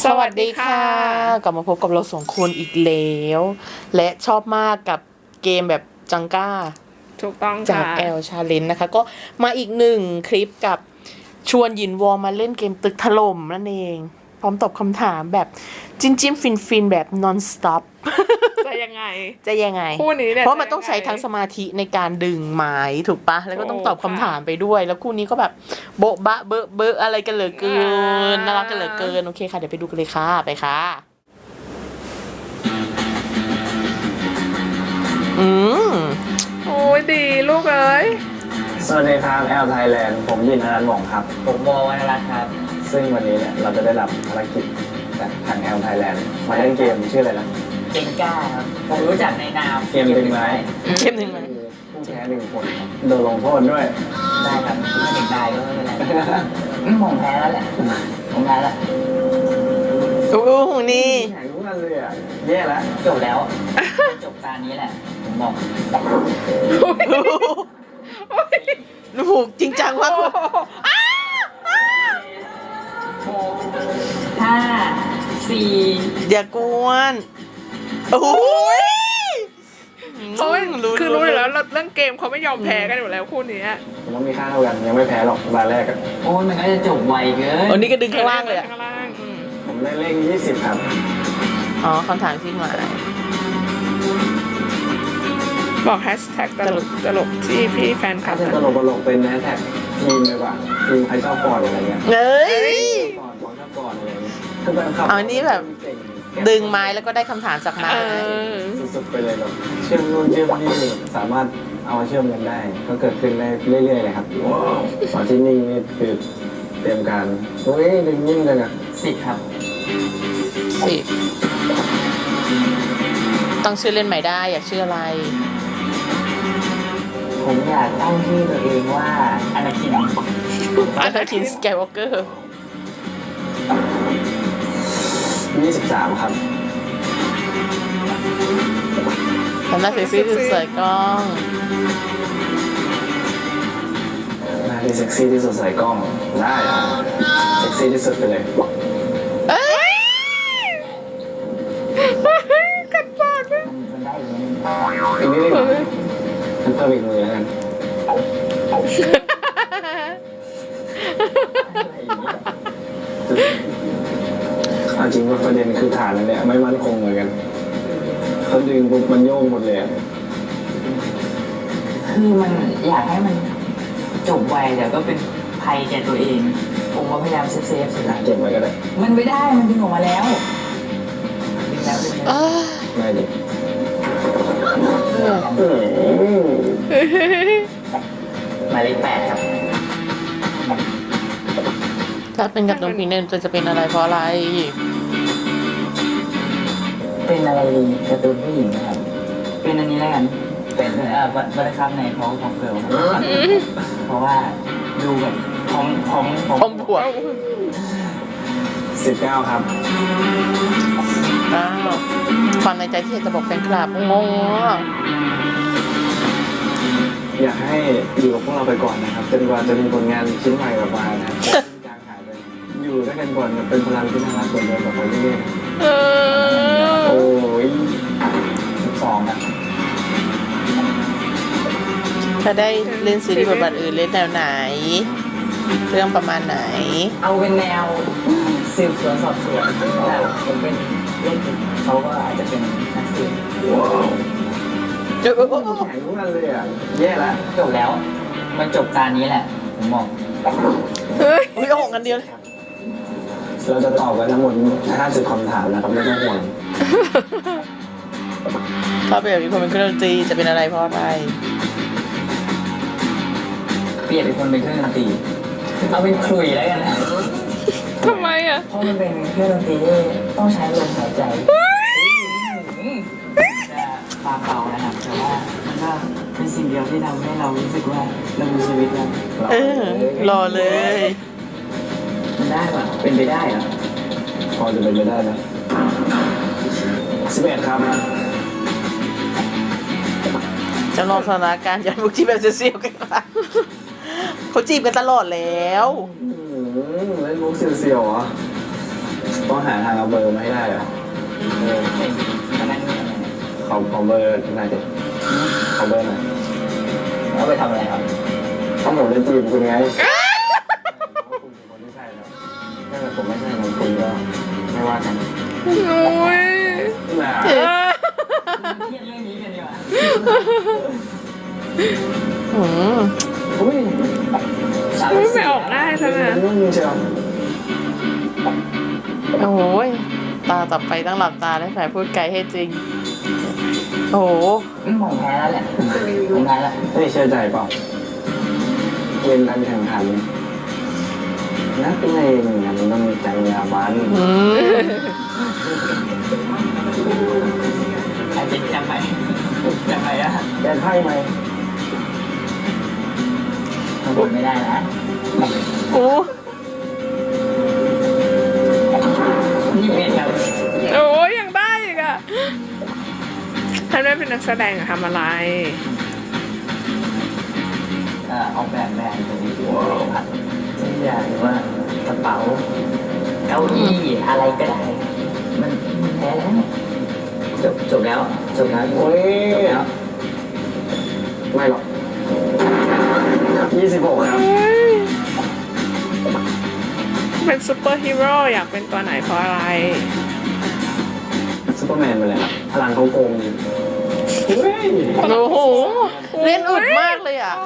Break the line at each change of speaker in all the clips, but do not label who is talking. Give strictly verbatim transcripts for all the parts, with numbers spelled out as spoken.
สวัสดีค่ะกลับมาพบกับเราสองคนอีกแล้วและชอบมากกับเกมแบบจังก้า
ถูกต้อง
จาก
ค่ะ
แอล Challenge นะคะก็มาอีกหนึ่งคลิปกับชวนหยินวอมาเล่นเกมตึกถล่มนั่นเองพร้อมตอบคำถามแบบจิ้มจิ้มฟินฟินแบบ non stop
จะยังไง
จะยังไง
คู่นี้เนี่ย
เพราะมันต้อง
จะยังไง
ใช้ทั้งสมาธิในการดึงไม้ถูกปะแล้วก็ต้องตอบคำถามไปด้วย แล้วคู่นี้ก็แบบโบ๊ะบะเบอะเบอะอะไรกันเหลือเกินน่ารักกันเหลือเกินโอเคค่ะเดี๋ยวไปดูกันเลยค่ะไปค่ะอืม
โอ้ยดีลูกเอ้ย
สวัสดีครับแอลไทยแลนด์ผมยินอนันต์หม่องครับ
ผมวอวรรณรัตน์ครับ
ซึ่งวันนี้เนี่ยเราจะได้รับภารกิจจากทางแอลไทยแลนด์มาเล่นเกมชื่ออะไรนะ
เจงก้าครับ ผมรู้จักในนาม
เกมดึงไม้
เข้มหนึ่งไหม
ผู้แพ้หนึ่งคนครับโดนลงโทษด้วย
ได้ครับถ้าเด็กได้ก็ไม่เป็นไรอืมผมแพ้แล้วแหละ ผมแพ้แล้ว
โอ้โหนี่
แข่งรู้กันเลยอ่ะแย่แล้ว
จบแล้ว จบการนี้แหละ ผมบอก
ผูกจริงจังมาก
ห้าสี่
อย่ากวนโอ้ย
โอ้ยคือรู้อยู่แล้วเรื่องเกมเขาไม่ยอมแพ้กันอยู่แล้วคู่นี้
ผมว่ามีค่าเท่ากันยังไม่แพ้หรอกตาแรกอะ
โอ้ยมันก็จะจบไวเกิน
อันนี้ก็ดึงข้างล่างเลยอะ
ข้างล่างอืม
ผมได้เลขยี่สิบครับ
อ๋อคำถามที่หมาย
บอกแฮชแท็กตลกตลกที่พี่แฟนคลั
ถ้า
บ
เป็นตลกตลกเป็นแฮชแท็กทีมดีกว่าทีมใครชอบก่อนอะไรเงี้ย
เอ้ย
ก่อนก่อนชอบก่อนอะไรเงี้ยคือแฟนคลับ
เอาอันนี้แบบ ดึงไม้แล้วก็ได้คำถามจากไม้
เออ
สุดๆไปเลยแบบเชื่อมนู่นเชื่อมนี่สามารถเอามาเชื่อมกันได้ ก็เกิดขึ้นได้เรื่อยๆเลยครับตอนที่นิ่งนี่คือเตรียมการโอ้ยดึงนิ่งจังอะ
สิบครับ
สิต้องชื่อเล่นใหม่ได้อยากชื่ออะไร
ผมอยากตั้งชื่อตัวเองว่าอนาคิน
อานาคินสแกวอเกอร์
ยี่สิบสามครับ
ทำหน้าเซ็กซี่ที่สวยกล้อง
หน้าที่เซ็กซี่ที่สุดใส่กล้องได้ครับเซ็กซี่ที่สุดไปเลย
เอ้ย
กัดปากเลย
มันได้อย่างนี้
อีกนิดนึงฉันเพิ่มอีกมือแล้วกันเอาจริงว่าประเด็นคือฐานนั่นแหละไม่มั่นคงเหมือนกันเขาดึงปุ๊บมันโยกหมดเลยอะ
คือมันอยากให้มันจบไวแต่ก็เป็นภัยแก่ตัวเอง ผมก็พยายามเซฟเซฟสุดละ
เก็บไว้ก็ได้
มันไม่ได้ มันดึงออกมาแล้วดึงแล้วดึงแล้ว
อ้า
ง่ายดิ
เออ
อืม
หมายเลขแปดครับ
ถ้าเป็นกับน้องพีเนนจะเป็นอะไรเพราะอะไร
เป็นอะไรดีการ์ตูนผู้หญิงนะครับ เป็นอันนี้แล้วกัน เป็นเอ่อบัตรครับในพร้อมพร้อมเกิร์ลเพราะว่าดูแบบพร้อมพร้อมพร้อม
พร้อมบวก
สิบเก้าครับ
อ้าวความในใจที่อยากจะบอกแฟนคลับงงอ่ะ
อยากให้อยู่กับพวกเราไปก่อนนะครับจนกว่าจะมีผลงานชิ้นใหม่ออกมานะครับจางหายไปอยู่ด้วยกันก่อนเป็นพลังที่น่ารักเหมือนเดิมแบบคนเรื่อย
เอ
ๆ
อ
โอ้ย
สิบสองครับ
ถ้าได้เล่นซีรีส์บทบาทอื่นเล่นแนวไหน เรื่องประมาณไหน
เอาเป็นแนวสืบสวนสอบสวนแต่ผมเป็นเล่นเขาก็อาจจะเป็นนักสืบ
ว้าว
เออเออเออ
แข่งรู้กันเลยอ่ะแย่ละ
จบแล้ว มันจบการนี้แหละ ผมบอก
เฮ้ย
อุ้ยเอาหกกันเดียวเลย
เราจะตอบกันทั้งหมดห้าสิบคำถามนะครับไม่ต้องห่วง
ถ้าเป็นแบบนี้คนเป็นเครื่องดนตรีจะเป็นอะไรเพราะอะไร
เปลี่ยนเป็นคนเป็นเครื่องดนตรีเอาเป็นคลุยแล้วกันนะ
ทำไมอ่ะ
เพราะมันเป็นเครื่องดนตรีที่ต้องใช้ลมหายใจจะปาเป่านะครับแต่ว่ามันก็เป็นสิ่งเดียวที่ทำให้เรารู้สึกว่าเรามีชีวิตแล้ว
เออรอเลย
มันได้ปะเป็นไปได้เหรอ
พอจะเป็นไปได้นะสิบเอ็ดครับ
จำลองสถานการณ์ย้อนบุกที่แบบเซียวๆกันค่ะเขาจีบกันตลอดแล้ว
อืมเล่นมุกเสียวๆเหรอต้องหาทางเอาเบอร์มาให้ได้เหรอเออ
เป็นพนักงาน
ขอขอเบอร์หน่อยดิขอเบอร์หน่อย
เอาไปทำอะไรครับ
เพราะผมจะจีบคุณไงว่าคุณเป็นคนที่ใช่ครับถ้าเกิดผมไม่ใช่ของคุณก็ไม่ว่ากัน
โอ้ย
น่า
เออ
เครียดเรื่องนี้กันดีกว่า
อืม
อุ้ย
ไม่ไปออกได้ซะนะ
นุ่มเชียว
โอ้ยตาต่อไปต้องหลับตาแล้วแฝพูดไกลให้จริง โอ้โห
อืมผมแพ้แล้วแหละผมแพ้แล้ว
นี่เชื่อใจเปล่าเกมการแข่งขันนักเลงเนี่ยมันต้องมีจรรยาบรรณ
อืม
ใครเป็นจำไปจำไปอะ
แกไพ่ไหม
ผมไม่ได้นะ
โอ้
นี่เป็นครับ
โอ้ยยังได้อีกอะท่านไม่เป็นนักแสดงอะทำอะไร
เอ่อออกแบบแบรนด์ตัวนี้ครับทุกอย่างหรือว่ากระเป๋าเก้าอี้อะไรก็ได้ มันแพ้แล้วจบจบแล้วจบแล้ว
โอ้ย
จบแล้ว
ไม่หรอกยี่สิบหกครับ
เป็นซูเปอร์ฮีโร่อยากเป็นตัวไหนเพราะอะไร
ซูเปอร์แมนไปเลยครับพลังเขาโกงดีเฮ้ย
โอ้โห เล่นอุดมากเลยอ่ะ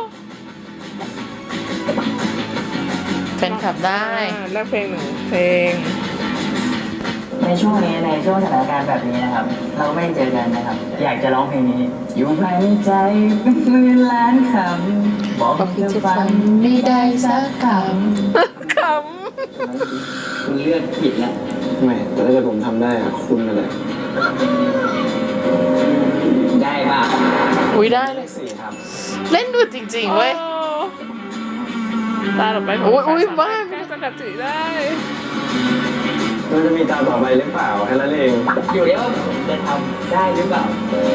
แฟนคลับได้
อ่าเลือกเพลงหนึ่งเพลง
ในช่วงนี้ในช่วงสถานการณ์แบบนี้นะครับ เราไม่ได้เจอกันนะครับ อยากจะร้องเพลงนี้ อยู่ภายในใจเป็นหมื่นล้านคำบอกให้เธอฟัง
ไม่ได้สักค
ข
คุณเลือกผิดแล้ว
ไม่แต่ถ้าเกิดผมทำได้อะคุณอะไร
ได้ป่ะ
ำอุ้ยได้
เล
เลย
ขสี่ครับ
เล่นอุดจริง
ำ
ๆเว้ย
โอ้ตาต่อไปขง
โอ้ยอุ๊ย
สมรถ
บ้า
แก้สกัดจืดได้
มันจะมีตาต่อไปหรือเปล่าแค่นั้นเอง
อยู่ที่ว่าจะทำได้หรือเปล่า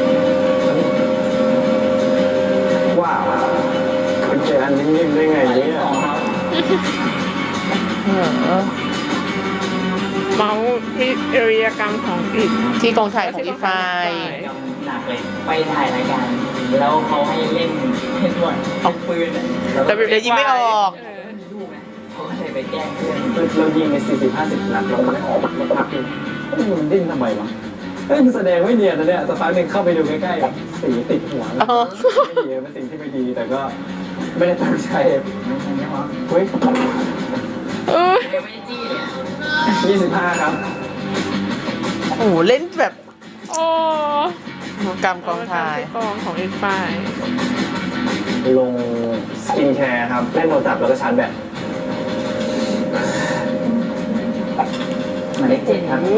ว้าวคุณเจออันนิ่มๆได้ไง
หมายเล
เนี่
ข
ย
สองครับ
เออ
เมาส์มีเอริยกรรมของอีก
ที่กองถ่ายของอีไฟ
หนักเลยไปถ่ายรายการ แล้วเขาให้เล่นเล่นบอลเอาปืนอะ
แต่เดี๋ยวยิงไม่ออก
เออ
มีลูกนะเขาก็เลยไปแกล้งเพื่อน
เรายิงไปสี่สิบห้าสิบนัดเราไม่ออกมาพักเลยมันดิ้นทำไมวะเอ้ยมันแสดงไม่เนียนนะเนี่ยสักพักหนึ่งเข้าไปดูใกล้ๆสีติดหัวแล้ว
อ๋อ
ไม่ดีเป็นสิ่งที่ไม่ดีแต่ก็ไม่ได้ตั้งใจ
ไม่ใช่ไหมวะ
เฮ้ย
เออ
ยังไม่ได้จี้เลยอะ
ยี่สิบห้าครับ
โอ้โห เล่นแบบ
โอ้
กรรมกองถ่าย
กองของอีกฝ่าย
ลงสกินแคร์ครับเล่นโทรศัพท์แล้วก็ชาร์จแบต
หมายเลขเจ็ดครับ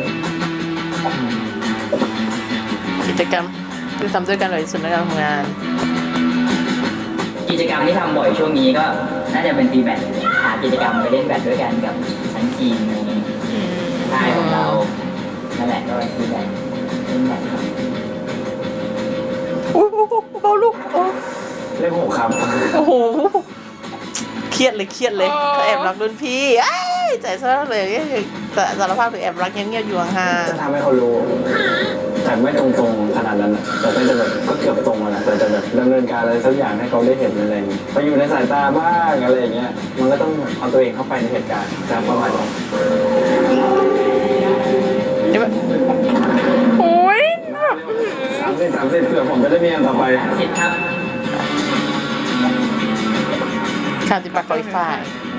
กิจกรรมที่ทำด้วยกันบ่อยที่สุดในการทำงาน
กิจกรรมที่ทำบ่อยช่วงนี้ก็น่าจะเป็นตีแบดหากิจกรรมไปเล่นแบดด้วยกันกับทั้งทีมในค่ายของเรานั่นแหละก็ตีแบดเล่นแบดครับ
โอ้โหเบาลูกโอ้
เลขหกครับ
โอ้โห เครียดเลยเครียดเลยถ้าแอบรักรุ่นพี่ไอ้ยใจซะเลยแต่สารภาพคือแอบรักเงียบๆอยู่ห่าง
จะทำให้เขารู้แต่ไม่ตรงๆขนาดนั้นอะแต่ก็จะแบบก็เกือบตรงแล้วแต่จะแบบดำเนินการอะไรสักอย่างให้เขาได้เห็นอะไรอย่างเงี้ยไปอยู่ในสายตาบ้างอะไรอย่างเงี้ยมันก็ต้องเอาตัวเองเข้าไปในเหตุการณ์จะประมาณนั้น
ๆนี่แบบ
โอ้ย
สามสิบสามสิบเผื่อผมจะได้มีอันต่อไป
สิบครับ
ข่าวติดปากของอีกฝ่าย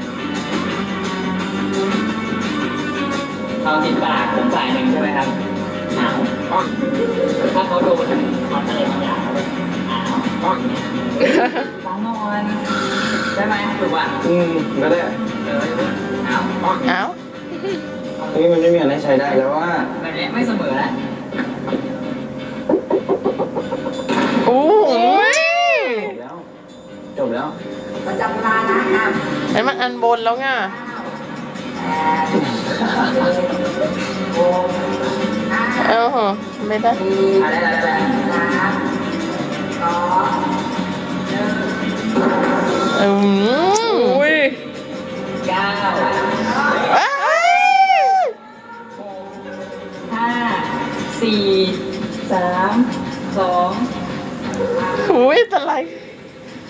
เอาสิบบาทผมจ่ายหนึ่งใช่ไหมครับอ้าวถ้าเขาโดนเขาอะไรบางอย่างอ้าวฟังนอนได้ไหมถูกป่ะ
อืมก็ได้
เอออ้าว
เอ้า
นี่มันไม่มีอันให้ใช้ได้แล้วว่า
แบบนี้ไม่เสมอแล้ว
โอ้โห
จบแล้วจบแล้ว
ประจำเวลานะครับ
ไอ้มันอันบนแล้วไง เออเหรอไม่ได้
อะไรอะไรอะไร
อืม
อุ้ย
เก้า
เอ้ย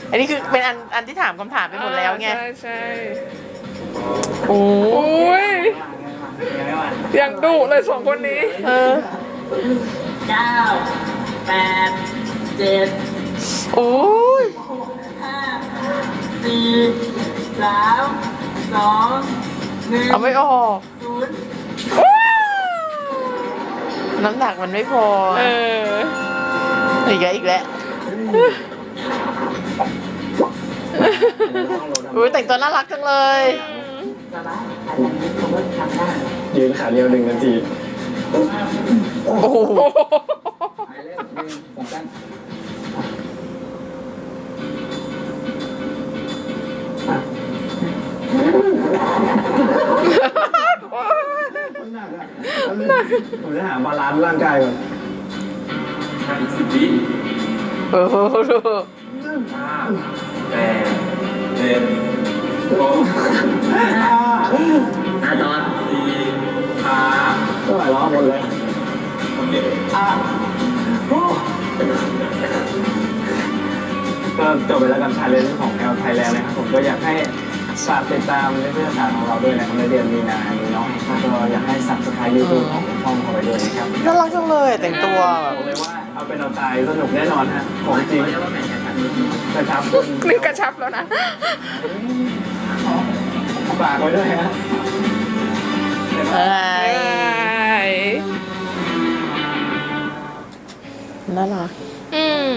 อันนี้คือเป็นอันอันที่ถามคำถามไปหมดแล้วไง
ใช่ใช่
โอ้
โอ้ย
ยังไม่ว่า
ยังดุเลยสองคนนี้
เออ
เก้าแปดเจ็ด
โอ้ย
ห้าสี่สามสองหนึ่ง
เอาไม่ออก
ศูนย์
น้ำหนักมันไม่พอ
เออ
อีกแล้วอีกแล้วอุ้ยแต่งตัวน่ารักจังเลย
สบายอันนี้ผมก็ทำได้
ยืนขาเดียวหนึ่งนาที
โอ้โห
ไปเล่นหนึ่งสองสาม
ผมจะหาบาลานซ์ร่างกายก่อน
สิบวิ
โอ้โหดู
ห้าแปดเจ็ดหก
อ่ะต่อ
สี่ห้า
ก็หลายรอบหมดเลย
โอเค
ก็จบไปแล้วกับชาเลนจ์ของแอลไทยแลนด์นะครับผมก็อยากให้ฝากติดตามในเพื่อนสารของเราด้วยนะครับในเดือนมีนานี้เนาะแล้วก็อยากให้สับสไครต์ยูทูบของช่องของเราด้วยนะครับ
น่ารักจังเลยแต่งตัวแบบ
บอกเลยว่าเอาเป็นเอาตายสนุกแน่นอนฮะของจริง
เรียกว่าแบ่งกันนิดนึง
กระชับ
นี่กระชับแล้วนะ
ฝากไว้ด้วยฮะ
อะไร
ใช่
น่ารัก
อืม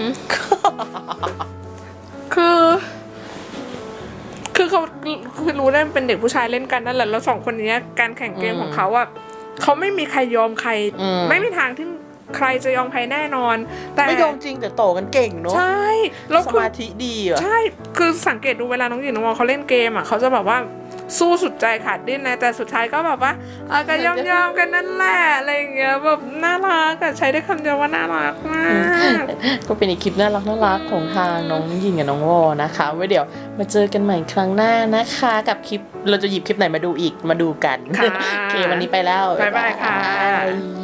คือ คือเขาคือรู้ได้มันเป็นเด็กผู้ชายเล่นกันนั่นแหละแล้วสองคนเนี้ยการแข่งเกมของเขาอะเขาไม่มีใครยอมใคร
อืม
ไม่มีทางที่ใครจะยอมใครแน่นอน แต่
ไม่ยอมจริงแต่โตกันเก่งเนอะ
ใช่แล้ว
ส
คือ
มาธิดีอ่ะ
ใช่ คือสังเกตดูเวลาน้องหญิงน้องวอลเขาเล่นเกมอ่ะเขาจะแบบว่าสู้สุดใจขาดดิ้นนะ แต่สุดท้ายก็แบบว่าเออก็ยอมยอมๆกันนั่นแหละอะไรอย่างเงี้ยแบบน่ารักอะใช้ได้คำเดียวว่าน่ารักมาก
ก็เป็นอีกคลิปน่ารักน่ารักของทางน้องยิงกับน้องวอนะคะไว้เดี๋ยวมาเจอกันใหม่ครั้งหน้านะคะ กับคลิปเราจะหยิบคลิปไหนมาดูอีกมาดูกัน
ค่ะ
โอเควันนี้ไปแล้ว
บ๊ายบายค่ะ
บ๊ายบาย